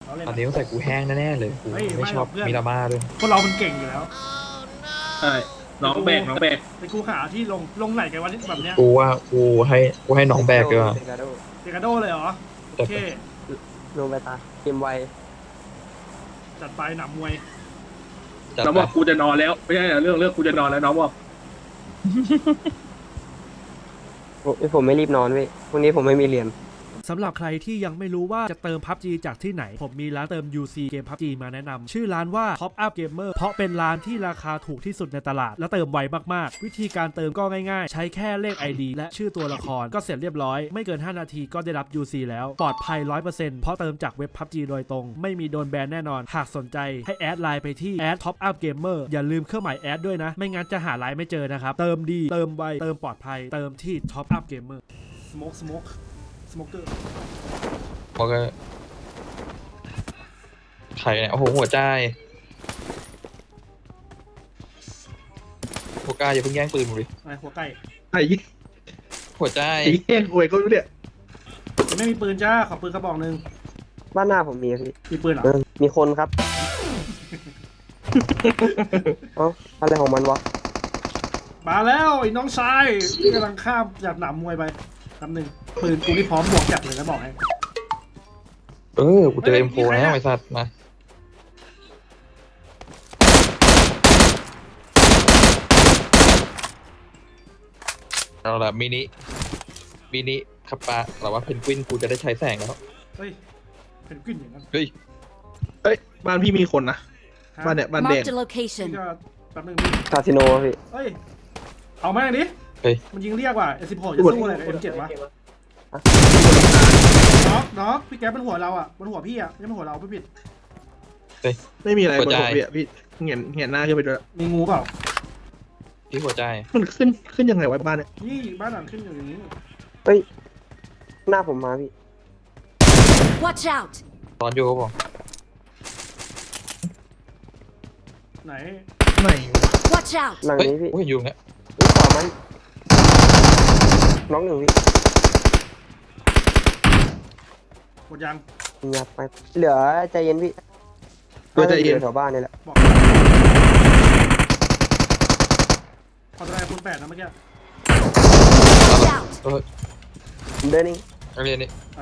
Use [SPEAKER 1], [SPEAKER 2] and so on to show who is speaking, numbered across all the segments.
[SPEAKER 1] เราเล่น
[SPEAKER 2] ตอนนี้ต้องใส่กูแห้งแน่ๆเลยกูไม่ชอบมิราม่าด้วย
[SPEAKER 1] พวกเรามันเก่งอยู่แล้ว
[SPEAKER 3] ใช่น้องแบก
[SPEAKER 1] ไปกูหาที่ลงไหนกันวะแบบเนี้ย
[SPEAKER 2] กูว่ากูให้น้องแบกด้วย
[SPEAKER 4] เดกาโด
[SPEAKER 1] เดกาโดเลยเหรอโอเค
[SPEAKER 4] ลงไปตาเกมไว
[SPEAKER 1] จัดไปหนำมวย
[SPEAKER 2] จัด
[SPEAKER 3] น้อง
[SPEAKER 2] ไป
[SPEAKER 3] บอกกูจะนอนแล้วไม่ใช่เรื่องกูจะนอนแล้วน้องบอก
[SPEAKER 4] ผมไม่รีบนอนเว้ยพรุ่งนี้ผมไม่มีเรียน
[SPEAKER 1] สำหรับใครที่ยังไม่รู้ว่าจะเติม PUBG จากที่ไหนผมมีร้านเติม UC เกม PUBG มาแนะนำชื่อร้านว่า Top Up Gamer เพราะเป็นร้านที่ราคาถูกที่สุดในตลาดและเติมไวมากๆวิธีการเติมก็ง่ายๆใช้แค่เลข ID และชื่อตัวละครก็เสร็จเรียบร้อยไม่เกิน5นาทีก็ได้รับ UC แล้วปลอดภัย 100% เพราะเติมจากเว็บ PUBG โดยตรงไม่มีโดนแบนแน่นอนหากสนใจให้แอดไลน์ไปที่ Top Up Gamer อย่าลืมเครื่องหมายแอดด้วยนะไม่งั้นจะหาไลน์ไม่เจอนะครับเติมดีเติมไวเติมปลอดภัยเติมที่ Top Up Gamer Smoker
[SPEAKER 2] บอกว่าใครเนี่ยโอ้โหหัวใจหัวกล้าอย่าเพิ่งแย่งปืนมึงดิ
[SPEAKER 1] อะไรหัวไก่
[SPEAKER 3] ไอ้
[SPEAKER 2] หัวใจ
[SPEAKER 3] แย่งอวยก็รู้เนี่ย
[SPEAKER 1] ยังไม่มีปืนจ้าขอปืนกระบอกหนึ่ง
[SPEAKER 4] บ้านหน้าผมมีพี่
[SPEAKER 1] มีปืนเหรอ
[SPEAKER 4] มีคนครับ เอ้าอะไรของมันวะ
[SPEAKER 1] มาแล้วไอ้น้องชายที่กำลังข้ามจากหนามมวยไปคำหนึ่งปืนกูนี่พร้อมบวกจับเลยนะบอกให้
[SPEAKER 2] กูเจอ M4 แล้วไอ้สัตว์มาเอาละมินิขับปลาแต่ว่าเพนกวินกูจะได้ใช้แสงแล้ว
[SPEAKER 1] เฮ้ยเป็นกลิ่นอย่างนั้น
[SPEAKER 2] เฮ้ย
[SPEAKER 3] เอ้ยบ้านพี่มีคนนะบ้านเนี่ยบ้านแดง
[SPEAKER 5] Marked a
[SPEAKER 1] นี่
[SPEAKER 5] location.
[SPEAKER 1] ก็แป๊บนึงพี่
[SPEAKER 4] คาสิโนพี่
[SPEAKER 1] เฮ้ยเอาแม่งดิ
[SPEAKER 2] เฮ้ย
[SPEAKER 1] มันยิงเรียกว่ะ S16 จะสู้อะไรกับ M7 วะน็อกพี่แก๊ปเป็นหัวเราอ่ะบนหัวพี่อ่ะไม่ใช่บนหัวเราไม่ผิด
[SPEAKER 3] ไม่มีอะไร
[SPEAKER 2] หั
[SPEAKER 3] บ
[SPEAKER 2] วน ใจ
[SPEAKER 3] หัวพี่อะพี่เห็นหน้าขึ้นไปด้วย
[SPEAKER 1] มีงูเปล่า
[SPEAKER 2] ที่หัวใจ
[SPEAKER 3] มันขึ้นยังไงวะบ้านเนี่ย
[SPEAKER 1] นี่บ้านหลังขึ้นอยู่อย่างนี้
[SPEAKER 4] เฮ้ยหน้าผมมาพี่
[SPEAKER 5] Watch out!
[SPEAKER 2] ตอนอยู่ก็บอก
[SPEAKER 1] ไหน
[SPEAKER 3] ไหน
[SPEAKER 5] Watch out!
[SPEAKER 4] หลัง
[SPEAKER 2] เฮ้ย
[SPEAKER 4] นี้พี่
[SPEAKER 2] กูเห็นอยู่เนี่ย
[SPEAKER 4] ขวามันน้องหนึ่งพี่
[SPEAKER 1] หมดยัง
[SPEAKER 4] เงียบไปเหลือใจเย็นพี่
[SPEAKER 3] ตัวใจเย็น
[SPEAKER 4] แถวบ้านนี่แหละ
[SPEAKER 1] บอกขอแสดงคุณ8นะเมื่อกี้
[SPEAKER 5] Watch out!
[SPEAKER 2] เออ
[SPEAKER 4] เดินนี่
[SPEAKER 2] นักเรียนนี่
[SPEAKER 1] อ่า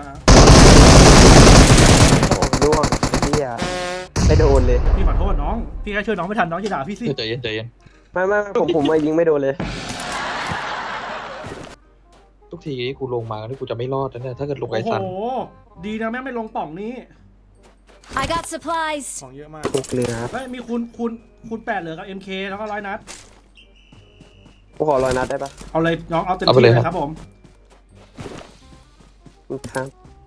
[SPEAKER 4] โอ้ล่วงพี่อะไม่โดนเลย
[SPEAKER 1] พี่ขอโทษน้องพี่แค่ช่วยน้องไม่ทันน้องจะด่าพี่สิ
[SPEAKER 2] ใจเย็นใจเย็น
[SPEAKER 4] ไม่ผมมายิงไม่โดนเลย
[SPEAKER 2] ทุกทีกูลงมาที่กูจะไม่รอดนะเนี่ยถ้าเกิดลง
[SPEAKER 1] โอ้
[SPEAKER 2] ไอ้
[SPEAKER 1] โห
[SPEAKER 2] สัน
[SPEAKER 1] ดีนะแม่งไม่ลงป่องนี้
[SPEAKER 5] I got supplies.
[SPEAKER 1] ของเยอะมาก
[SPEAKER 4] ทุกเรือครับ
[SPEAKER 1] เฮ้ยมีคูณ8เหลือกับ MK แล้วก็100 นัด
[SPEAKER 4] ผมขอ100 นัดได้ปะ
[SPEAKER 1] เอาเลยน้องเอาเต็มที่เลยครับผม
[SPEAKER 4] ครับ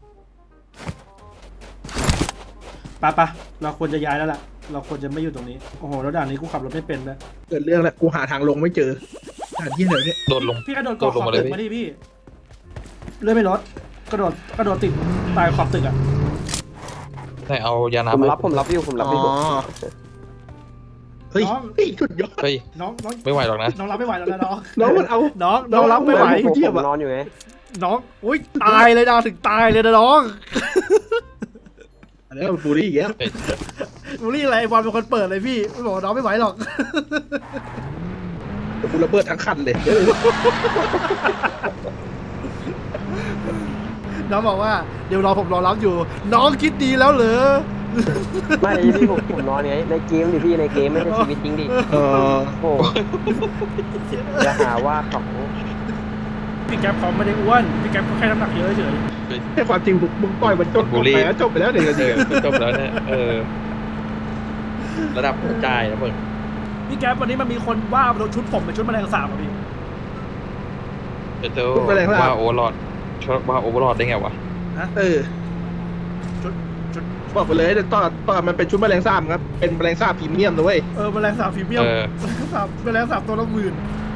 [SPEAKER 1] ปะเราควรจะย้ายแล้วล่ะเราควรจะไม่อยู่ตรงนี้โอ้โหแล้วด่านนี้กูขับรถไม่เป็นนะ
[SPEAKER 3] เกิดเรื่องแล้วกูหาทางลงไม่เจอหาที่ไหนเนี่ย
[SPEAKER 2] โดนลง
[SPEAKER 1] พี่กระโดดเกาะขอบ
[SPEAKER 2] ลงมาเลย
[SPEAKER 1] ตึกมาดิพี่เลื่อนไม่ลดกระโดดติดตายขอบตึกอ่ะ
[SPEAKER 2] ไหนเอายา
[SPEAKER 4] ผม
[SPEAKER 2] น้ำ
[SPEAKER 4] รับอยู่ผมรับอยู่
[SPEAKER 3] เฮ้ยสุดยอด
[SPEAKER 2] เฮ้ย
[SPEAKER 1] น้อง
[SPEAKER 2] ไม่ไหวหรอกนะ
[SPEAKER 1] น้องรับไม่ไหวแล้วนะน้อง
[SPEAKER 3] น้องมันเอา
[SPEAKER 1] น้องรับไม่ไหว
[SPEAKER 4] ผมนอนอยู่ไง
[SPEAKER 1] น้องอุ้ยตายเลยนะถึงตายเลยนะน้อง
[SPEAKER 3] อันนี้มันบูลลี่อีกแล้ว
[SPEAKER 1] บูลลี่อะไรไอ้บอลเป็นคนเปิดเลยพี่ไม่บอกว่าน้องไม่ไหวหรอก
[SPEAKER 3] กูระเบิดทั้งคันเลย
[SPEAKER 1] น้องบอกว่าเดี๋ยวผมรอรับอยู่ น้องคิดดีแล้วเหรอ
[SPEAKER 4] ไม่พี่ผมนอนไงในเกมดิพี่ในเกมไม่ใช่ชีวิตจริงดิ
[SPEAKER 3] เออ
[SPEAKER 4] โอ้จะหาว่าเขา
[SPEAKER 1] พี่แก๊ปเขาไม่ได้อ้วนพี่แก๊ปเขาแค่น้ำหนักเยอะเฉย
[SPEAKER 3] แค่ความจริงมึงปล่อยมันจบไปแล้วจบไปแล้ว1 นาที
[SPEAKER 2] จบแล้วเนี่ยระดับหัวใจนะมึง
[SPEAKER 1] พี่แก๊ปวันนี้มันมีคนว่าเราชุดผมเป็นชุดแมลงสาบอ่ะพี่
[SPEAKER 2] เจอว่าโอเวอร์ลอดว่าโอเวอร์ลอดได้ไงวะ
[SPEAKER 3] เออ
[SPEAKER 1] ชุด
[SPEAKER 3] บอกไปเลยแต่ตอนมันเป็นชุดแมลงสาบครับเป็นแมลงสาบพรีเมียมนะเว้ย
[SPEAKER 1] แมลงสาบพรีเมียมแมลงสาบตัวละ10,000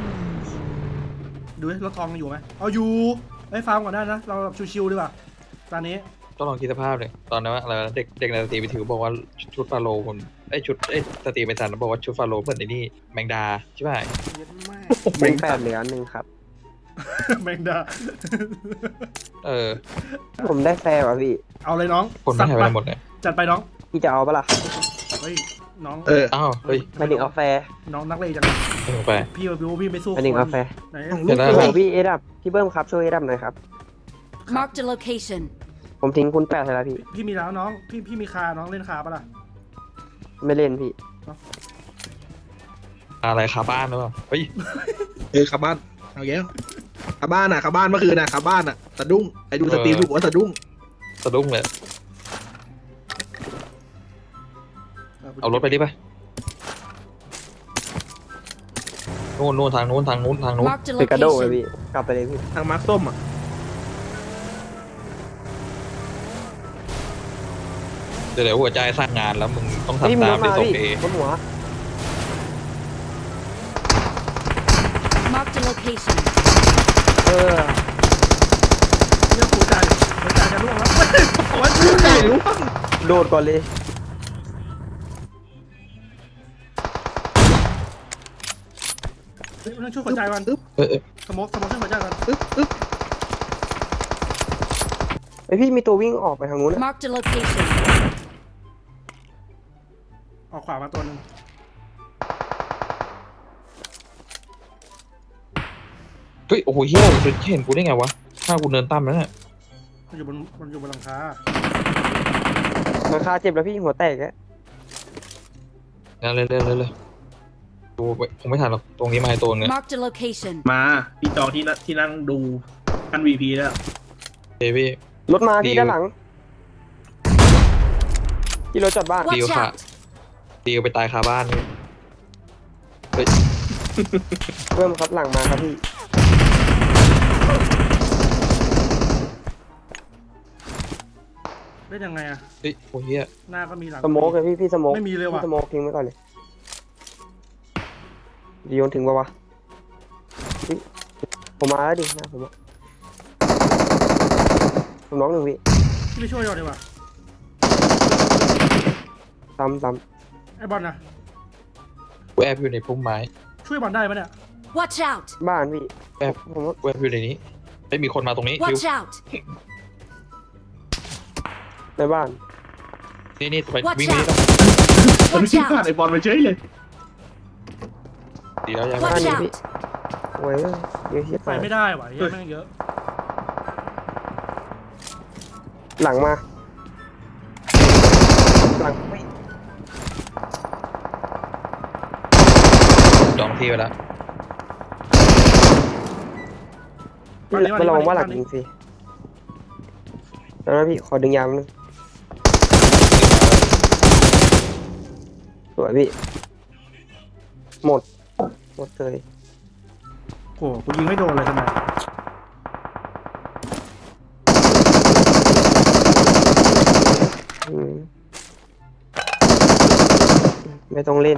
[SPEAKER 1] ดูรถทองอยู่ไหมเอาอยู่ไอ้ฟาร์มก่อนได้นะเราชิวๆดีกว่าตอนนี้
[SPEAKER 2] ต้องลองคิดสภาพเลยตอนนั้นว่าอะไรเด็กในสตรีไปถือบอกว่าชุดฟาโลคนชุดสตรีไปสันบอกว่าชุดฟาโลเหมือนไอ้นี่แมงดาใช่ไหม
[SPEAKER 4] เป็น8เหลือ1ครับ
[SPEAKER 1] แมงดา
[SPEAKER 4] ผมได้แฟร์ว่ะพี่
[SPEAKER 1] เอาเลยน้อง
[SPEAKER 2] คนไม่หายไปไหนหมดเลย
[SPEAKER 1] จัดไปน้อง
[SPEAKER 4] พี่จะเอาปะล่ะ
[SPEAKER 1] เฮ้ยน้อง
[SPEAKER 2] อ้าวเฮ้ย
[SPEAKER 4] หมายถึงเอาแฟร์
[SPEAKER 1] น้องนักเลงจัง
[SPEAKER 2] ไม่ลงไป
[SPEAKER 1] พี่มาดูพี่ไม่สู้
[SPEAKER 4] หมายถึงเอาแฟร์
[SPEAKER 1] ไหน
[SPEAKER 2] เดี๋ยวนะ
[SPEAKER 4] โอ้โหพี่เอดับพี่เบิ้มครับช่วยเอดับหน่อยครับ
[SPEAKER 5] Marked a location.
[SPEAKER 4] ผมทิ้งคุณแปดเลยละพี่
[SPEAKER 1] พี่มีแล้วน้องพี่มีคาน้องเล่นคาปะล่ะ
[SPEAKER 4] ไม่เล่นพี่
[SPEAKER 2] อะไรคาบ้านหรือเปล่าเฮ้ย
[SPEAKER 3] ขับบ้านเอาแก้วขับบ้านขับบ้านเมื่อคืนขับบ้านสะดุ้งไอ้ดูสตรีมดูว่าสะดุ้ง
[SPEAKER 2] สะดุ้งเลยเอารถไปดิไปนู่นทางนู้น
[SPEAKER 5] Marked a
[SPEAKER 4] คือกระโดดเลย
[SPEAKER 5] location.
[SPEAKER 4] พี่กลับไปเลยพี่
[SPEAKER 3] ทางมาร์คส้มอ่ะ
[SPEAKER 2] เดี๋ยวหัวใจสร้างงานแล้วมึงต้อง
[SPEAKER 4] พี่
[SPEAKER 2] ทำ
[SPEAKER 4] มี
[SPEAKER 2] ตาร ม
[SPEAKER 4] ถ
[SPEAKER 2] ที่
[SPEAKER 4] มา
[SPEAKER 2] ส่ง
[SPEAKER 4] พี่
[SPEAKER 2] เอบ
[SPEAKER 4] นหัว
[SPEAKER 5] Marked a location.
[SPEAKER 4] เออ
[SPEAKER 1] เรื่องหัวใจจะร่วงแล้วหัวใจ
[SPEAKER 4] โดดก่อนเลย
[SPEAKER 1] ต้องช่วยหัวใจก่อน สมองช่วยหัวใจก่อน
[SPEAKER 4] ไอพี่มีตัววิ่งออกไปทางนู้นนะ
[SPEAKER 5] Marked a location.
[SPEAKER 1] ออกขวามาตัวหนึง
[SPEAKER 2] เฮ้ยโอ้โหเฮียเห็นกูได้ไงวะถ้ากูเดินตั้มแล้วเนี่ย
[SPEAKER 1] มันอยู่บนหลังคา
[SPEAKER 4] ราคาเจ็บแล้วพี่หัวแตกแล้ว
[SPEAKER 2] งั้นเลยดูผมไม่ทันหรอกตรงนี้มาให้ตัวเนี่ย
[SPEAKER 5] Marked a location.
[SPEAKER 3] มาพี่จองที่นั่งดูกัน VP แล้ว
[SPEAKER 2] เฮ้ยพี่
[SPEAKER 4] รถมาพี่ด้านหลังพี่รถจอดบ้าน
[SPEAKER 5] Watch
[SPEAKER 2] Deal
[SPEAKER 5] out.
[SPEAKER 2] ตีไปตายคาบ้านนี่เฮ้ย
[SPEAKER 4] เริ่มครับหลังมาครับพี่
[SPEAKER 1] เล่นยังไงอะ
[SPEAKER 2] เฮ้ยโอ้เฮีย
[SPEAKER 1] หน้าก็มีหลัง
[SPEAKER 4] สโมกเลยพี่สโมก
[SPEAKER 1] ไม่มีเลยว่ะ
[SPEAKER 4] พี่สโมกทิ้งไว้ก่อนเลยโยนถึงปะวะเฮ้ยผมมาแล้วดินะผมน้องหนึ่งพี่
[SPEAKER 1] พี่ไปช่วยก่อนดีกว่า
[SPEAKER 4] ซ้ำ
[SPEAKER 1] ไอ้บอลนะ
[SPEAKER 2] กูแอบอยู่ในพุ่มไม้
[SPEAKER 1] ช่วยบอลได้ปะเนี่ย
[SPEAKER 5] Watch out.
[SPEAKER 4] บ้านพี่
[SPEAKER 2] แอบ
[SPEAKER 4] ผมว่า
[SPEAKER 2] กูแอบอยู่ในนี้ไม่มีคนมาตรงนี้
[SPEAKER 5] Watch out.
[SPEAKER 4] ในบ้าน
[SPEAKER 2] นี่ไป
[SPEAKER 5] Watch
[SPEAKER 2] วิ่งนี้
[SPEAKER 5] out.
[SPEAKER 3] มัน
[SPEAKER 5] Watch
[SPEAKER 3] ที่พลาด
[SPEAKER 5] out.
[SPEAKER 3] ไอ้บอลไปเฉยเลย
[SPEAKER 2] ดีแล้วยัง
[SPEAKER 5] Watch
[SPEAKER 4] นี่
[SPEAKER 5] out.
[SPEAKER 4] พี่ โอ้ยเยอะเฮีย
[SPEAKER 1] ไปไม่ได้ว่ะเยอะแม่งเยอะ
[SPEAKER 4] หลังมาหลังไม่
[SPEAKER 2] จองที่ไปแล้ว
[SPEAKER 4] มาลองว่าหลังยิงสิแล้วนะพี่ขอดึงยางนึงสวยพี่หมดเลย
[SPEAKER 1] โอ้กูยิงไม่โดนเลยทำไม
[SPEAKER 4] อืมไม่ต้องเล่น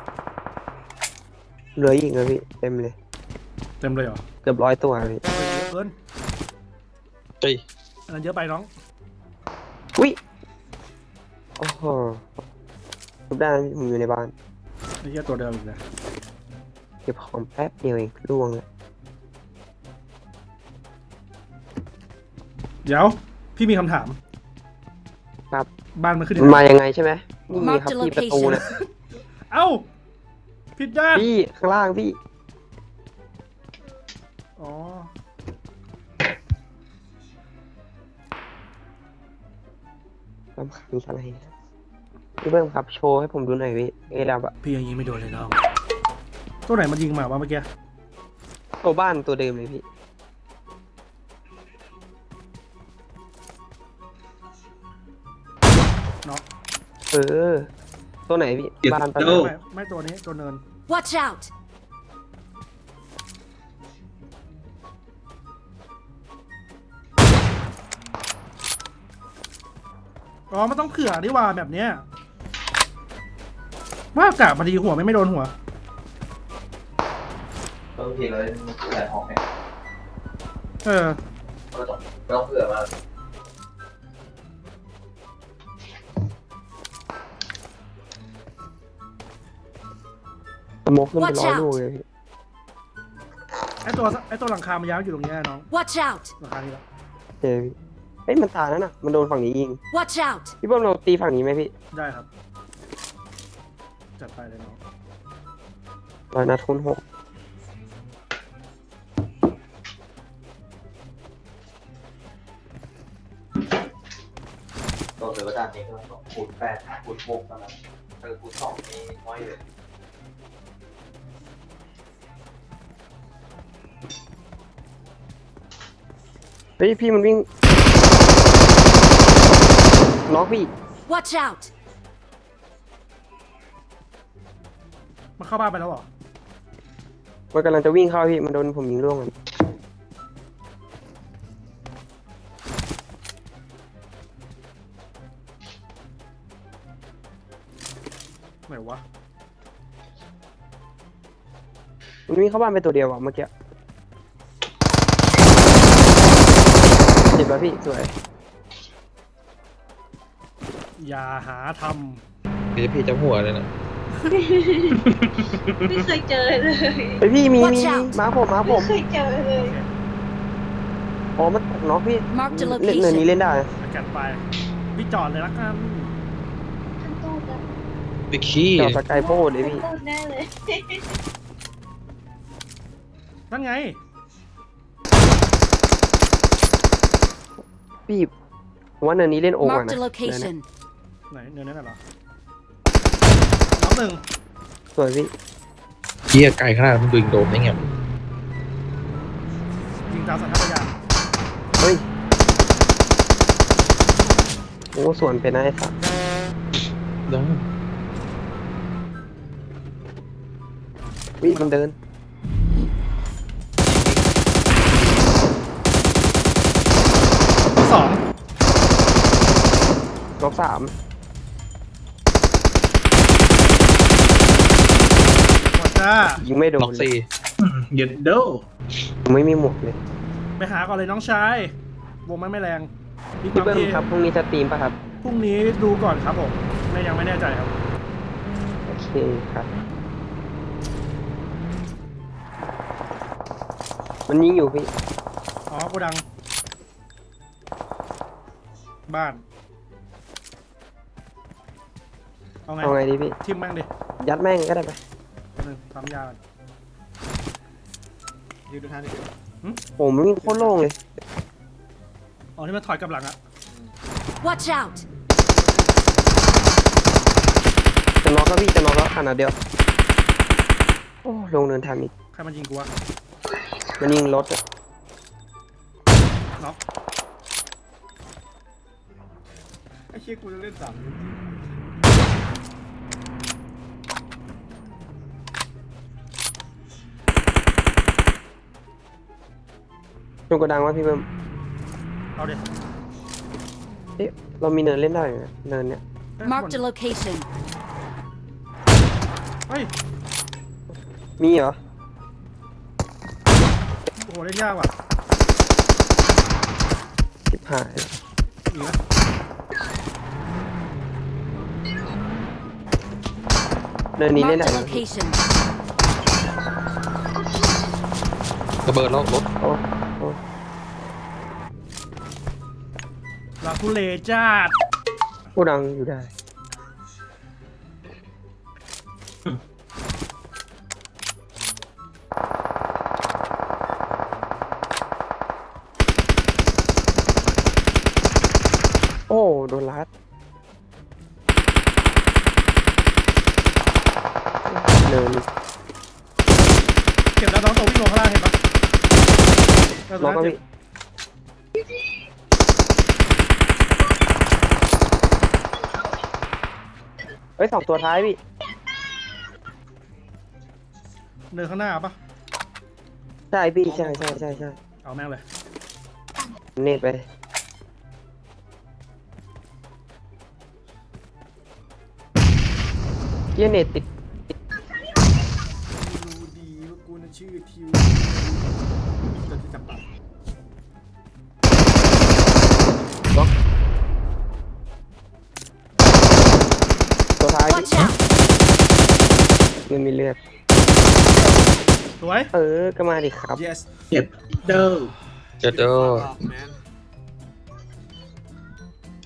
[SPEAKER 4] เหลืออีกเลยพี่เต็มเลย
[SPEAKER 1] เต็มเลยเหรอ
[SPEAKER 4] เกือบ100 ตัวพี่
[SPEAKER 1] เยอะเกิน
[SPEAKER 2] เฮ้ย
[SPEAKER 1] อันนั้นเยอะไปน้อง
[SPEAKER 4] อุ้ยโอ้โหทุบได้นะพี่ผมอยู่ในบ้าน
[SPEAKER 1] ไอ้เหี้ยตัวเดิมอีกเลย
[SPEAKER 4] เก็บของแป๊บเดียวเองล่วงเลย
[SPEAKER 1] เดี๋ยวพี่มีคำถาม
[SPEAKER 4] ครับ
[SPEAKER 1] บ้านมันขึ้น
[SPEAKER 4] มันมายังไงใช่ไหมนี่ครับ
[SPEAKER 5] Mark the
[SPEAKER 4] พี่ประตูเนี่ย
[SPEAKER 1] เอ้าผิดด้าน
[SPEAKER 4] พี่ข้างล่างพี่
[SPEAKER 1] อ๋อ
[SPEAKER 4] สำคัญอะไรนะพี่เบิ้มครับโชว์ให้ผมดูหน่อยพี่เอดับอะ
[SPEAKER 1] พี่ยังยิงไม่โดนเลยน้องตัวไหนมันยิงมาวะเมื่อกี้
[SPEAKER 4] ตัวบ้านตัวเดิมเลยพี่
[SPEAKER 1] เนาะ
[SPEAKER 4] เออ ตัวไหนพี่ บ้านตัวไหน
[SPEAKER 1] ไม่ตัวนี้ตัวเนิน
[SPEAKER 5] Watch out.
[SPEAKER 1] อ๋อมันต้องเผื่อดีว่าแบบเนี้ยว่ากะมาดีหัวไม่โดนหัว
[SPEAKER 6] บางทีเราแต่ออกเนี่ย
[SPEAKER 1] เออ
[SPEAKER 6] ไม่ต้องเผื่อมาก
[SPEAKER 4] สโมกขึ้นไป
[SPEAKER 5] Watch
[SPEAKER 4] 100
[SPEAKER 5] out
[SPEAKER 4] ลูกเลยพี่
[SPEAKER 1] ไอตัวหลังคามันยาวอยู่ตรงเนี้ยน้อง
[SPEAKER 5] Watch out.
[SPEAKER 1] หลังคานี่แหละ
[SPEAKER 4] เจอพี่ฮ้ยมันตายแล้วน่ะมันโดนฝั่งนี้ยิง
[SPEAKER 5] Watch out!
[SPEAKER 4] พี่เบิ้มเราตีฝั่งนี้ไหมพี่
[SPEAKER 1] ได้ครับ จัดไปเลยน้อง
[SPEAKER 4] 100 นัดคูณ 6
[SPEAKER 6] ตัวเสือประดานนี้ก็คูณ8คูณ6แล้วนะคูณ2นี่น้อยเลย
[SPEAKER 4] เฮ้ยพี่มันวิ่งน็อกพี่
[SPEAKER 5] Watch out!
[SPEAKER 1] มันเข้าบ้านไปแล้วเหรอ
[SPEAKER 4] มันกำลังจะวิ่งเข้าพี่มันโดนผมยิงร่วงมัน
[SPEAKER 1] ไหนวะ
[SPEAKER 4] มันวิ่งเข้าบ้านไปตัวเดียวอะเมื่อกี้เจ็บแล้วพี่สวย
[SPEAKER 1] อย่าหาท
[SPEAKER 2] นี่พี่จะหัวเลยนะ
[SPEAKER 7] ไม่เคยเจอเลย
[SPEAKER 4] เฮ้ยพี่มี
[SPEAKER 5] Watch out
[SPEAKER 4] มาผม
[SPEAKER 7] ไม่เคยเจอเลย
[SPEAKER 4] อ๋อมันตกน็อกพี่
[SPEAKER 5] Mark the
[SPEAKER 4] เล่นเนินนี้
[SPEAKER 5] location.
[SPEAKER 4] เล่นได้
[SPEAKER 1] ำจัดไป พี่จอดเลยละกัน
[SPEAKER 7] ขั้นต้นนะ
[SPEAKER 2] ไปขี้
[SPEAKER 4] จอดสกายโบเลย
[SPEAKER 7] ขั้น
[SPEAKER 4] พี่
[SPEAKER 7] ต้นแน่เลย
[SPEAKER 1] นั่นไง
[SPEAKER 4] พี่ผมว่าเนินนี้เล่นโอ่ง
[SPEAKER 5] Mark
[SPEAKER 4] อะ
[SPEAKER 5] the
[SPEAKER 4] นะ
[SPEAKER 5] location.
[SPEAKER 1] ไหนเนินนั่นน่ะเหรอ น้องหนึ่ง
[SPEAKER 4] สวยพี่
[SPEAKER 2] เหี้ยไกลขนาดมันดึงโดมได้ไง
[SPEAKER 1] ยิงตามสัญชาตญาณ
[SPEAKER 4] เฮ้ยโอ้สวนเป็นนะไอ้สัส
[SPEAKER 2] ได้
[SPEAKER 4] วิมันเดิน
[SPEAKER 1] สอง
[SPEAKER 4] น็อก3
[SPEAKER 1] หมดจ้า
[SPEAKER 4] ยิงไม่โด
[SPEAKER 2] น็อน ก
[SPEAKER 4] เลย
[SPEAKER 2] 4
[SPEAKER 3] เย็ดเด้อ
[SPEAKER 4] ผมไม่มีหมวกเลย
[SPEAKER 1] ไปหาก่อนเลยน้องชาย วงมันไม่แรงบิ๊ก
[SPEAKER 4] พี่
[SPEAKER 1] บัม
[SPEAKER 4] เบิ้ม
[SPEAKER 1] ที่
[SPEAKER 4] ครับพรุ่งนี้จะสตรีมป่ะครับ
[SPEAKER 1] พรุ่งนี้ดูก่อนครับผมยังไม่แน่ใจครับ
[SPEAKER 4] โอเคครับ มันยิงอยู่พี่
[SPEAKER 1] อ๋อโกดัง บ้าน เอาไง
[SPEAKER 4] เอาไงดีพี่
[SPEAKER 1] ทิมแม่งดิ
[SPEAKER 4] ยัดแม่งก็ได้ไป
[SPEAKER 1] หนึ่งทำยาก่อน
[SPEAKER 3] ยืนดูท่าดิ
[SPEAKER 4] ผมวิ่งโคตรโล่งเลย
[SPEAKER 1] อ๋อนี่มันถอยกลับหลังอะ
[SPEAKER 5] Watch out!
[SPEAKER 4] จะน็อกแล้วพี่จะน็อกแล้วขนาดเดียว โอ้ลงเนินทันอีก
[SPEAKER 1] ใครมันยิงกูวะ
[SPEAKER 4] มันยิงรถอะ
[SPEAKER 1] น็อก
[SPEAKER 3] ไอ้เชี่ยกูจะเล่น3
[SPEAKER 4] จงกระดังว่าพี่เบิ้ม
[SPEAKER 1] เอาดิ
[SPEAKER 4] เอ๊ะเรามีเนินเล่นได้อยู่นะเนินเนี้ย
[SPEAKER 5] Mark the location.
[SPEAKER 1] เฮ้ย
[SPEAKER 4] มีเหรอ
[SPEAKER 1] โอ้โหเล่นยากว่ะ
[SPEAKER 4] ชิบหาย
[SPEAKER 1] อีกนะ
[SPEAKER 4] เนินนี้เล่น
[SPEAKER 5] Mark
[SPEAKER 4] ได้
[SPEAKER 5] the
[SPEAKER 4] นะ
[SPEAKER 5] location.
[SPEAKER 2] ระเบิดแล้วรถ
[SPEAKER 4] โอ้โอ้
[SPEAKER 1] ลาทุเลจ้าด
[SPEAKER 4] โกดังอยู่ได้ โอ้โดนลัดเนิน
[SPEAKER 1] เก็บแล้วน้องตัววิ่งลงข้างล่างเห็นปะ
[SPEAKER 4] น็อกแล้วพี่เฮ้ย2 ตัวท้ายพี่
[SPEAKER 1] เนินข้างหน้าปะ
[SPEAKER 4] ใช่พี่ใช่
[SPEAKER 1] เอาแม่งเลย
[SPEAKER 4] เน็ตไปเฮียเน็ตติด
[SPEAKER 3] รู้ดีว่ากูน่ะชื่อทิวจะจับปาก
[SPEAKER 4] ล็อกตัวท้ายพี่
[SPEAKER 5] Watch out!
[SPEAKER 4] มันมีเลือด
[SPEAKER 1] สวย
[SPEAKER 4] ก็มาดิครับ
[SPEAKER 3] yes เย็ดเด้อ
[SPEAKER 2] เจ็ดเด้อ
[SPEAKER 3] man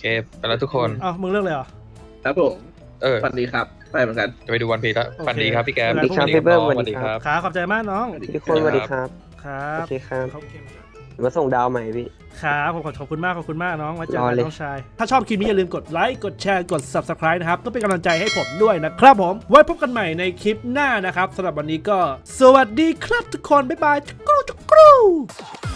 [SPEAKER 2] เคไปแล้วทุกคน
[SPEAKER 1] เอ้ามึงเลือกเลยเหรอ
[SPEAKER 3] ครับผม
[SPEAKER 2] ฝั
[SPEAKER 3] นดีครับไปเหมือนกัน
[SPEAKER 2] จะไปดูวันพีแล้ว
[SPEAKER 1] โอเค
[SPEAKER 2] ฝันดีครับพี่แก๊ป
[SPEAKER 1] สวัสดีครับ
[SPEAKER 4] พี่เบิ้ม
[SPEAKER 2] น้องสวัสดีครับ
[SPEAKER 1] ขาขอบใจมากน้อง
[SPEAKER 4] ทุกคนสวัสดีครับ
[SPEAKER 1] ครับ
[SPEAKER 4] โอเคครับ
[SPEAKER 1] เขา
[SPEAKER 4] มาส่งดาวใหม่พี่
[SPEAKER 1] ครับผมขอบคุณมากน้องไว้เจอ
[SPEAKER 4] รอ
[SPEAKER 1] กัน
[SPEAKER 4] เลย
[SPEAKER 1] น้องชาย ถ้าชอบคลิปนี้อย่าลืมกดไลค์กดแชร์กด subscribe นะครับก็เป็นกำลังใจให้ผมด้วยนะครับผมไว้พบกันใหม่ในคลิปหน้านะครับสำหรับวันนี้ก็สวัสดีครับทุกคนบ๊ายบายจุกรู